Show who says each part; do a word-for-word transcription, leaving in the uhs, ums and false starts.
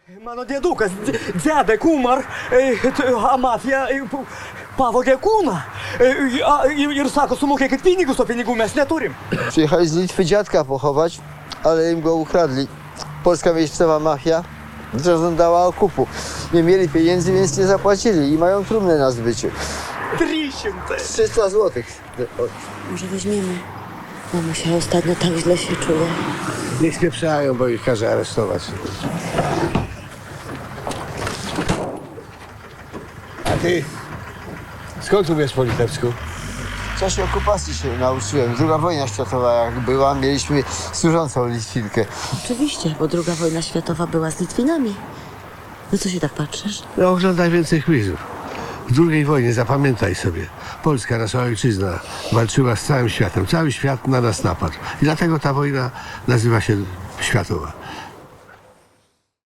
Speaker 1: Mano diedukas, dz- dziadek umarł, e, t- a mafija e, p- pavogė kūną. E, a, ir, ir sako, sumokėkit pinigus, o pinigų mes neturim.
Speaker 2: Przyjechali z Litwy dziadka pochować, ale im go ukradli. Polska miejscowa mafia zażądała okupu. Nie mieli pieniędzy, więc nie zapłacili i mają trumnę na zbyciu.
Speaker 1: Trysiące.
Speaker 2: trzysta złotych.
Speaker 3: Może weźmiemy. Mama się ostatnio tak źle się czuje.
Speaker 4: Niech spieprzają, bo ich każe aresztować. A ty? Skąd umiesz po litewsku?
Speaker 2: W czasie okupacji się nauczyłem. Druga wojna światowa jak była, mieliśmy służącą Litwinkę.
Speaker 3: Oczywiście, bo druga wojna światowa była z Litwinami. No co się tak patrzysz?
Speaker 4: No oglądaj więcej quizów. W drugiej wojnie, zapamiętaj sobie, Polska, nasza ojczyzna, walczyła z całym światem. Cały świat na nas napadł. I dlatego ta wojna nazywa się światowa.